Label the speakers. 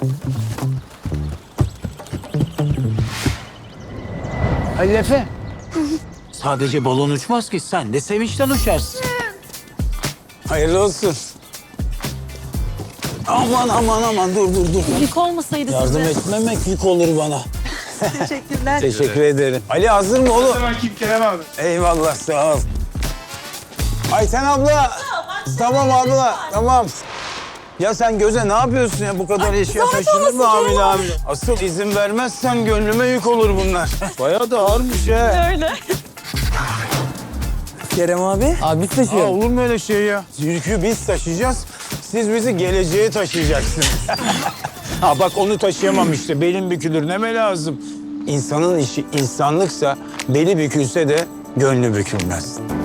Speaker 1: Halil Efe. Sadece balon uçmaz ki, sen de sevinçten uçarsın.
Speaker 2: Hayırlı olsun. Aman aman aman, dur dur dur.
Speaker 3: Yük olmasaydı
Speaker 2: Yardım
Speaker 3: size.
Speaker 2: etmemek yük olur bana.
Speaker 3: Teşekkürler.
Speaker 2: Teşekkür ederim. Ali hazır mı oğlum?
Speaker 4: Hemen kim Kerem abi?
Speaker 2: Eyvallah, sağ ol. Ayten abla. Tamam abla, tamam. Ya sen Göze ne yapıyorsun ya? Bu kadar eşya taşınır mı hamile? Asıl izin vermezsen gönlüme yük olur bunlar. Bayağı da ağırmış ha.
Speaker 3: Öyle.
Speaker 2: Kerem abi.
Speaker 5: Abi biz taşıyoruz.
Speaker 2: Olur mu öyle şey ya? Yükü biz taşıyacağız. Siz bizi geleceğe taşıyacaksınız. Ha bak, onu taşıyamam işte. Belim bükülür, neme lazım? İnsanın işi insanlıksa beli bükülse de gönlü bükülmez.